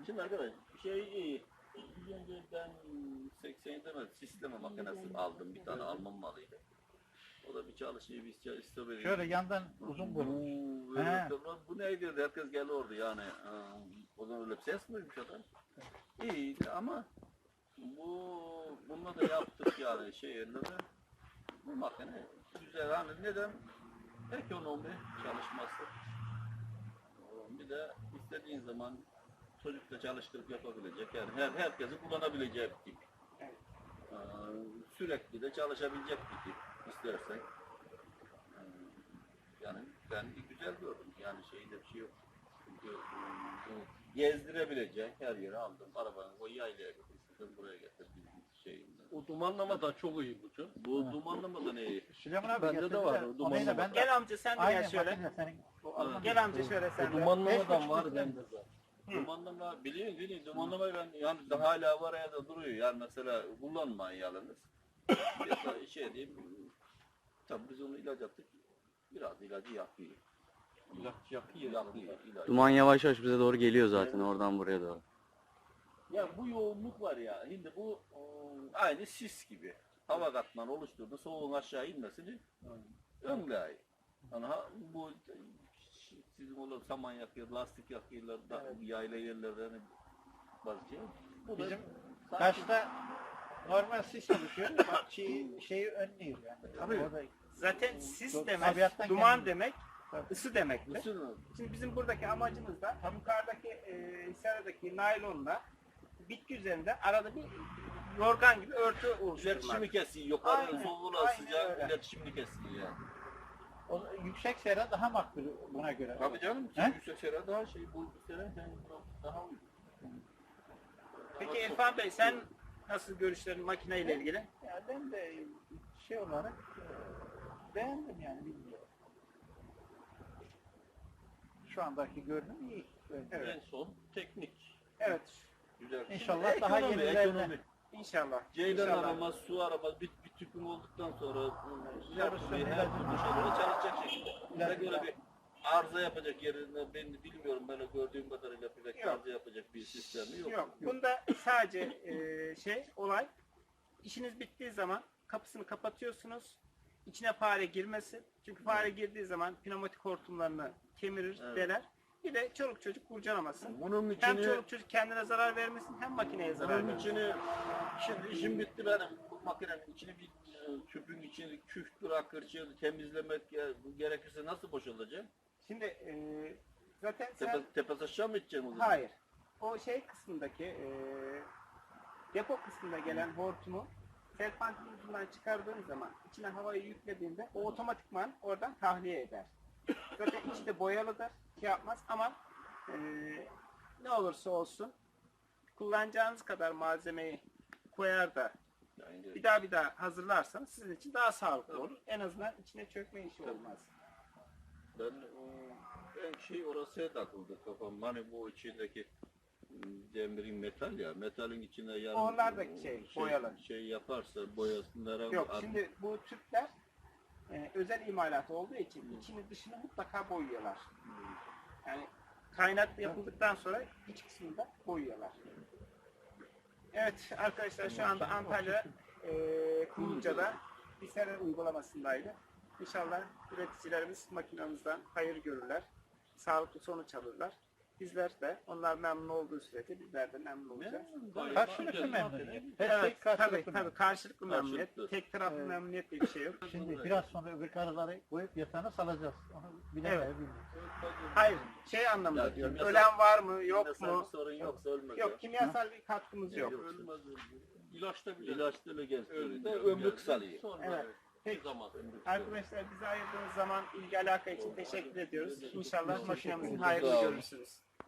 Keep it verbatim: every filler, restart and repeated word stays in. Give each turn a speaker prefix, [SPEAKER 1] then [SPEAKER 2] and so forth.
[SPEAKER 1] Şimdi arkadaş şey iyi. Bir önce ben seksen yedide sisteme makinesi aldım. Bir tane Alman malıydı. O da bir çalışıyor, bir çalışıyor.
[SPEAKER 2] Şöyle yandan uzun bulur.
[SPEAKER 1] Bu, bu neydi? Herkes geldi orada yani. Aa, o zaman öyle bir ses miymiş adam? İyiydi ama bu bununla da yaptık yani şey yerine de bu makine güzel. Hani neden? Ekonomi çalışması. Bir de istediğin zaman çocukla çalıştırıp yapabilecek yani her herkesin kullanabileceği bir tip. Ee, sürekli de çalışabilecek bir tip istersen. Ee, yani ben güzel gördüm yani şeyde bir şey yok. Çünkü e, gezdirebilecek her yere aldım. Arabanı o yaylaya getirdim buraya getirdim şeyinde.
[SPEAKER 3] O dumanlama da çok iyi bu çok.
[SPEAKER 1] Bu dumanlama da ne iyi?
[SPEAKER 2] Süleyman abi
[SPEAKER 3] Bende de var o dumanlama.
[SPEAKER 2] Ben de,
[SPEAKER 4] Gel amca sen de
[SPEAKER 2] aynen
[SPEAKER 4] gel şöyle.
[SPEAKER 2] makine senin. O Alman
[SPEAKER 4] Gel amca şöyle
[SPEAKER 3] O
[SPEAKER 4] sen de.
[SPEAKER 3] dumanlamadan var bende zaten.
[SPEAKER 1] Dumanlama biliyor biliyor dumanlamayı ben yani daha hala var ya da duruyor yani mesela kullanmayın yalnız. Ya şey diyeyim tabii biz onu ilaç attık biraz ilacı yakıyor.
[SPEAKER 3] İlaç yakıyor.
[SPEAKER 1] Yakıyor ilacı.
[SPEAKER 5] Duman yavaş yavaş bize doğru geliyor zaten oradan buraya doğru.
[SPEAKER 1] Ya bu yoğunluk var ya şimdi bu ıı, aynı sis gibi. Hava katmanı oluşturdu soğuğun aşağı inmesini önleyiyor. Yani ha, bu sizin olan saman yakıyor, lastik yakıyorlar, da,
[SPEAKER 2] Evet.
[SPEAKER 1] yayla yerlerde hani bazı şey. Bu da
[SPEAKER 2] Bizim
[SPEAKER 1] sanki-
[SPEAKER 2] karşıda normal sis oluşuyor. Bak şeyi, şeyi önlüyor yani.
[SPEAKER 1] Tabii.
[SPEAKER 2] Orada
[SPEAKER 4] Zaten sis
[SPEAKER 2] Çok
[SPEAKER 4] demek,
[SPEAKER 2] tabiattan
[SPEAKER 4] duman
[SPEAKER 2] gelmiyor.
[SPEAKER 4] demek,
[SPEAKER 2] Tabii.
[SPEAKER 4] ısı demektir.
[SPEAKER 1] Isınır.
[SPEAKER 4] Şimdi bizim buradaki amacımız da tam yukarıdaki e, seradaki naylonla bitki üzerinde arada bir yorgan gibi örtü oluşturmak.
[SPEAKER 1] İletişimi kesiyor. Yukarıda
[SPEAKER 4] Aynen,
[SPEAKER 1] soğuğuna
[SPEAKER 4] aynen
[SPEAKER 1] sıcak
[SPEAKER 4] öyle.
[SPEAKER 1] iletişimini kesiyor yani.
[SPEAKER 2] o, yüksek sera daha makbul buna göre.
[SPEAKER 1] Tabii canım.
[SPEAKER 2] He?
[SPEAKER 1] Yüksek sera daha şey. Bu sera yani daha uygun.
[SPEAKER 4] Peki İrfan Bey sen nasıl görüşlerin makineyle ilgili?
[SPEAKER 2] Ya ben de şey olarak e, beğendim yani bilmiyorum. Şu andaki görünüm iyi. Böyle.
[SPEAKER 4] Evet.
[SPEAKER 1] En son teknik.
[SPEAKER 4] Evet.
[SPEAKER 1] Güzel.
[SPEAKER 2] İnşallah
[SPEAKER 1] Şimdi
[SPEAKER 2] daha
[SPEAKER 1] ekonomi,
[SPEAKER 2] yenilerine-
[SPEAKER 1] ekonomi.
[SPEAKER 4] İnşallah.
[SPEAKER 1] Ceylan
[SPEAKER 4] İnşallah.
[SPEAKER 1] aramaz, su aramaz, bir, bir tüpün olduktan sonra
[SPEAKER 2] Yarısı
[SPEAKER 1] yapmayı her
[SPEAKER 2] ilacı-
[SPEAKER 1] türlü şeyleri çalışacak şekilde. Buna
[SPEAKER 2] İlacı-
[SPEAKER 1] göre bir arıza yapacak yerine ben bilmiyorum ben o gördüğüm kadarıyla pek
[SPEAKER 4] Yok.
[SPEAKER 1] arıza yapacak bir sistemi yok.
[SPEAKER 4] Yok. Bunda sadece e, şey olay işiniz bittiği zaman kapısını kapatıyorsunuz. İçine fare girmesin. Çünkü fare girdiği zaman pneumatik hortumlarını kemirir,
[SPEAKER 1] Evet.
[SPEAKER 4] deler. Bir de çoluk çocuk kurcalamasın.
[SPEAKER 1] Bunun
[SPEAKER 4] Hem
[SPEAKER 1] içini,
[SPEAKER 4] çoluk çocuk kendine zarar vermesin hem makineye zarar
[SPEAKER 1] bunun
[SPEAKER 4] vermesin.
[SPEAKER 1] içini, şimdi işim bitti benim. Bu makinenin içini bir e, tüpün içini küf bırakır, temizlemek ya, bu gerekirse nasıl boşalacak?
[SPEAKER 4] Şimdi e, zaten sen...
[SPEAKER 1] Tepe, tepes aşağı mı edeceksin o zaman?
[SPEAKER 4] Hayır. O şey kısmındaki e, depo kısmında gelen hortumu serpantin ucundan çıkardığın zaman içine havayı yüklediğinde o otomatikman oradan tahliye eder. Zaten içi de boyalıdır. Şey yapmaz ama e, ne olursa olsun kullanacağınız kadar malzemeyi koyar da
[SPEAKER 1] Yani,
[SPEAKER 4] bir daha bir daha hazırlarsanız sizin için daha sağlıklı olur. En azından içine çökme işi olmaz.
[SPEAKER 1] Ben o, en şey orası takıldı kafam. Hani bu içindeki demirin metal ya, metalin içine yarın
[SPEAKER 4] Onlar da şey, boyalı.
[SPEAKER 1] şey yaparsa boyasınlar.
[SPEAKER 4] Yok şimdi bu tüpler e, özel imalat olduğu için içini dışını mutlaka boyuyorlar. Yani kaynak yapıldıktan sonra iç kısmını da boyuyorlar. Evet arkadaşlar şu anda Antalya e, Kumluca'da bir sera uygulamasındaydı. İnşallah üreticilerimiz makinamızdan hayır görürler. Sağlıklı sonuç alırlar. Bizler de onlar memnun olduğu sürece bizler de memnun olacağız.
[SPEAKER 2] Karşılıklı memnuniyet. Her şey
[SPEAKER 4] Evet, tabii,
[SPEAKER 2] karşılıklı
[SPEAKER 4] tabii
[SPEAKER 2] memnuniyet.
[SPEAKER 4] karşılıklı memnuniyet.
[SPEAKER 1] Karşılıklı.
[SPEAKER 4] Tek taraflı
[SPEAKER 2] Evet.
[SPEAKER 4] memnuniyet diye bir şey yok.
[SPEAKER 2] Şimdi biraz sonra öbür karıları koyup yatağına salacağız. Onu bilemeye
[SPEAKER 4] Evet.
[SPEAKER 2] bilmiyorum.
[SPEAKER 4] Hayır, şey anlamında
[SPEAKER 1] Ya,
[SPEAKER 4] diyorum.
[SPEAKER 1] kimyasal-
[SPEAKER 4] Ölen var mı, yok
[SPEAKER 1] Kimyasal
[SPEAKER 4] mu?
[SPEAKER 1] bir sorun yoksa ölmez.
[SPEAKER 4] Yok, kimyasal bir katkımız yok.
[SPEAKER 1] Ölmez.
[SPEAKER 3] İlaçta bile.
[SPEAKER 1] İlaçlı ile genç
[SPEAKER 3] Ömrü-
[SPEAKER 1] ömrü kısalıyor.
[SPEAKER 3] Sonra
[SPEAKER 4] Evet.
[SPEAKER 3] bir zaman.
[SPEAKER 4] Arkadaşlar bize ayırdığınız zaman ilgi alaka için teşekkür ediyoruz. İnşallah makinemizin
[SPEAKER 1] Sağ
[SPEAKER 4] hayrını
[SPEAKER 1] olun.
[SPEAKER 4] görürsünüz.